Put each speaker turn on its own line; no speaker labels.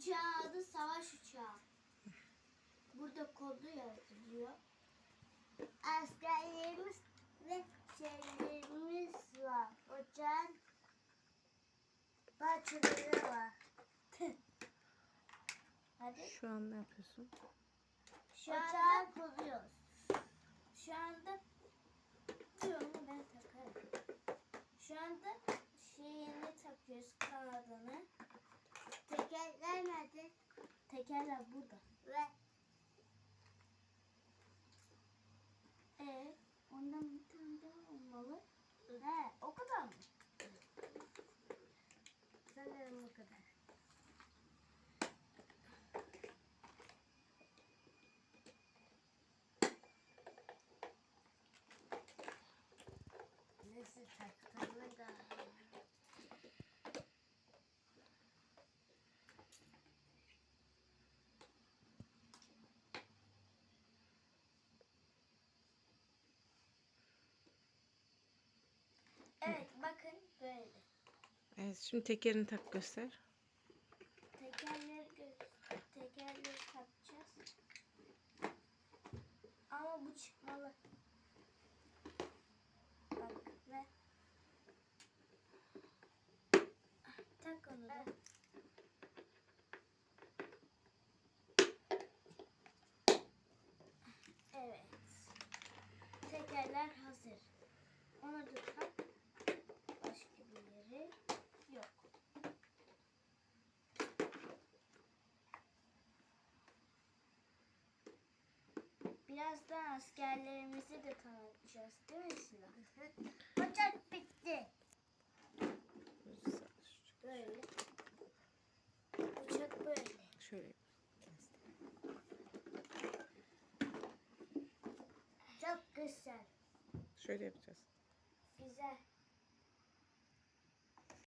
uçağın adı savaş uçağı. Burada kodu yazılıyor. Askerlerimiz ve şeylerimiz var. Uçağın parçaları var. Hadi.
Şu an ne yapıyorsun?
Şu anda kuruyoruz. Şu anda diyorum ben takarım. Şu anda şeyini takıyoruz, kanadını. Tekerler nerede? Tekerler burada. Ve ondan bir tane daha olmalı. He, o kadar mı? Sanırım o kadar. Nasıl taktığını da. Evet, bakın böyle.
Evet, şimdi tekerini tak göster.
Tekerleri takacağız. Ama bu çıkmalı. Bak ve tak onu da. Evet. Tekerler hazır. Onu da tak. Başka bir yeri yok. Birazdan askerlerimizi de tanıtacağız, değil mi Sıla? Uçak bitti. Böyle. Uçak böyle.
Şöyle.
Çok güzel.
Şöyle yapacağız.
Güzel.